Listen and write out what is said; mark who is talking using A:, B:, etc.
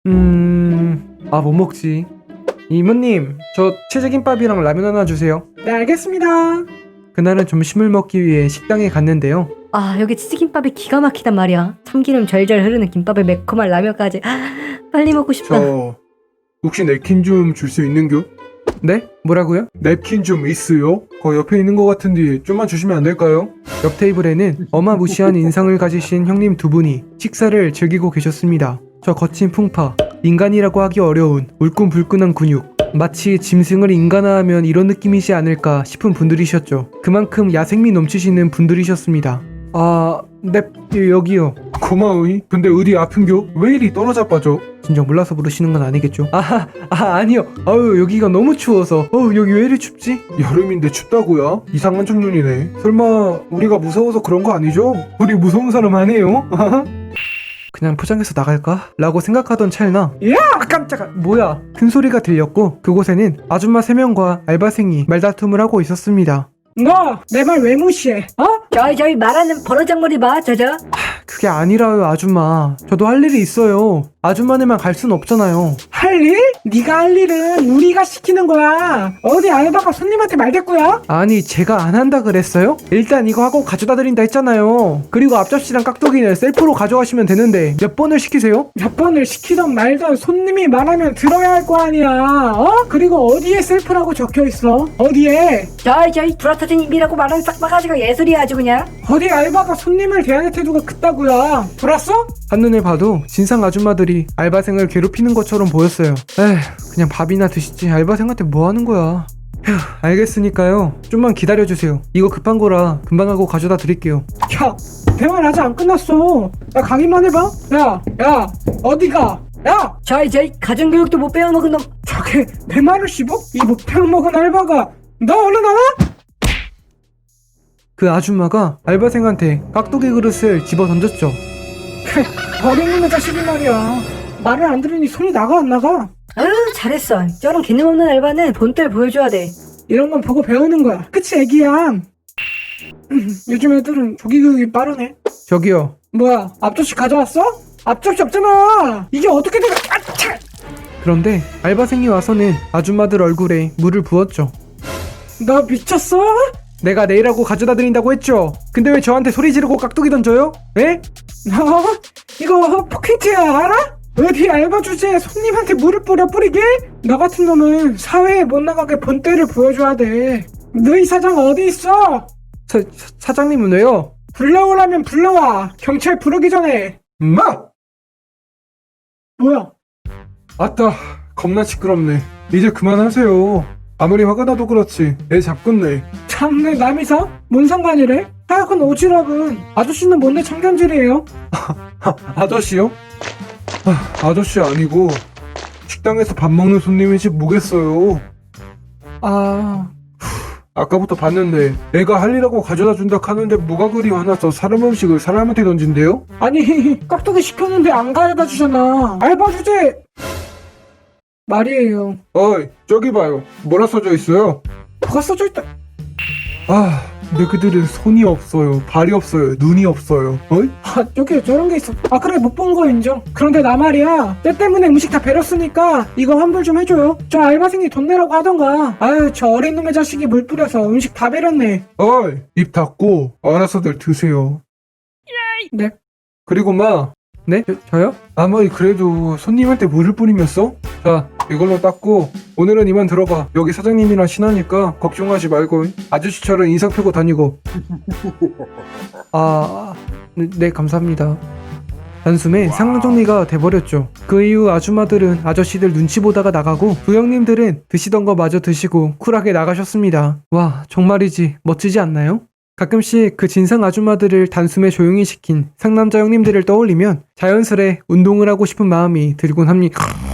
A: 뭐 먹지? 이모님, 저 치즈김밥이랑 라면 하나 주세요.
B: 네, 알겠습니다.
A: 그날은 점심을 먹기 위해 식당에 갔는데요.
C: 아, 여기 치즈김밥이 기가 막히단 말이야. 참기름 절절 흐르는 김밥에 매콤한 라면까지. 빨리 먹고 싶다.
D: 저 혹시 냅킨 좀 줄 수 있는겨?
A: 네? 뭐라고요?
D: 냅킨 좀 있어요? 거 옆에 있는 것 같은데 좀만 주시면 안 될까요?
A: 옆 테이블에는 어마무시한 인상을 가지신 형님 두 분이 식사를 즐기고 계셨습니다. 저 거친 풍파, 인간이라고 하기 어려운 울끈불끈한 근육, 마치 짐승을 인간화하면 이런 느낌이지 않을까 싶은 분들이셨죠. 그만큼 야생미 넘치시는 분들이셨습니다. 네, 여기요.
D: 고마워이. 근데 어디 아픈겨? 왜 이리 떨어져 빠져?
A: 진정 몰라서 부르시는 건 아니겠죠? 아니요. 여기가 너무 추워서. 여기 왜 이리 춥지?
D: 여름인데 춥다고요? 이상한 청년이네. 설마 우리가 무서워서 그런 거 아니죠? 우리 무서운 사람 아니에요?
A: 그냥 포장해서 나갈까? 라고 생각하던 찰나
B: 야, 깜짝아.
A: 뭐야? 큰 소리가 들렸고 그곳에는 아줌마 3명과 알바생이 말다툼을 하고 있었습니다.
B: 너 내 말 왜 무시해?
C: 저희 말하는 버러장머리 봐, 저저.
A: 그게 아니라요, 아줌마. 저도 할 일이 있어요. 아줌마네만 갈 순 없잖아요.
B: 할 일? 네가 할 일은 우리가 시키는 거야. 어디 알바가 손님한테 말대꾸야?
A: 아니, 제가 안 한다 그랬어요? 일단 이거 하고 가져다 드린다 했잖아요. 그리고 앞접시랑 깍두기는 셀프로 가져가시면 되는데 몇 번을 시키세요?
B: 몇 번을 시키던 말던 손님이 말하면 들어야 할 거 아니야. 그리고 어디에 셀프라고 적혀 있어? 어디에?
C: 저희 불어터진 입이라고 말하는 싹바가지가 예술이야, 아주 그냥.
B: 어디 알바가 손님을 대하는 태도가 그따구야. 들었어?
A: 한눈에 봐도 진상 아줌마들이 알바생을 괴롭히는 것처럼 보였어요. 그냥 밥이나 드시지 알바생한테 뭐 하는 거야. 휴, 알겠으니까요. 좀만 기다려주세요. 이거 급한 거라 금방 하고 가져다 드릴게요.
B: 야, 대화는 아직 안 끝났어. 야, 가기만 해봐. 야, 어디가? 야,
C: 저희 가정교육도 못 배워먹은 놈.
B: 저게 내 말을 씹어? 이 못 배워먹은 알바가. 너 얼른 나와?
A: 그 아줌마가 알바생한테 깍두기 그릇을 집어 던졌죠.
B: 어린놈의 자식이 말이야. 말을 안 들으니 손이 나가 안 나가?
C: 아유, 잘했어. 저런 개념 없는 알바는 본때를 보여줘야 돼.
B: 이런 건 보고 배우는 거야. 그치 애기야? 요즘 애들은 조기 교육이 빠르네.
A: 저기요.
B: 뭐야, 앞접시 가져왔어? 앞접시 없잖아. 이게 어떻게 된 거야? 아차!
A: 그런데 알바생이 와서는 아줌마들 얼굴에 물을 부었죠.
B: 너 미쳤어?
A: 내가 내일하고 가져다 드린다고 했죠. 근데 왜 저한테 소리 지르고 깍두기 던져요? 에?
B: 너 이거 포켓이야 알아? 어디 알바 주제에 손님한테 물을 뿌리게? 너 같은 놈은 사회에 못 나가게 본때를 보여줘야 돼. 너희 사장 어디 있어?
A: 사장님은 왜요?
B: 불러오라면 불러와. 경찰 부르기 전에.
D: 엄마!
B: 뭐야?
D: 아따, 겁나 시끄럽네. 이제 그만하세요. 아무리 화가 나도 그렇지 애 잡겠네.
B: 참내 남이사? 뭔 상관이래? 하여간 오지랖은 아저씨는 뭔데 참견질이에요?
D: 아저씨요? 아저씨 아니고 식당에서 밥 먹는 손님이지 뭐겠어요. 아까부터 봤는데 애가 할 일하고 가져다 준다 하는데 뭐가 그리 화나서 사람 음식을 사람한테 던진대요?
B: 아니 깍두기 시켰는데 안 가져다 주잖아. 알바 주제 말이에요.
D: 어이 저기 봐요. 뭐라 써져 있어요?
B: 뭐가 써져 있다.
D: 근데 그들은 손이 없어요, 발이 없어요, 눈이 없어요. 어이?
B: 여기 저런 게 있어. 그래 못 본 거 인정. 그런데 나 말이야 때 때문에 음식 다 배렸으니까 이거 환불 좀 해줘요. 저 알바생이 돈 내라고 하던가. 아유 저 어린 놈의 자식이 물 뿌려서 음식 다 배렸네.
D: 어이 입 닫고 알아서들 드세요.
B: 네.
D: 그리고 마
A: 네? 저요?
D: 아무리 그래도 손님한테 물을 뿌리면서 자 이걸로 닦고 오늘은 이만 들어가. 여기 사장님이랑 친하니까 걱정하지 말고 아저씨처럼 인상 펴고 다니고.
A: 네, 감사합니다. 단숨에 상황 정리가 돼버렸죠. 그 이후 아줌마들은 아저씨들 눈치 보다가 나가고 두 형님들은 드시던 거 마저 드시고 쿨하게 나가셨습니다. 와, 정말이지 멋지지 않나요? 가끔씩 그 진상 아줌마들을 단숨에 조용히 시킨 상남자 형님들을 떠올리면 자연스레 운동을 하고 싶은 마음이 들곤 합니다.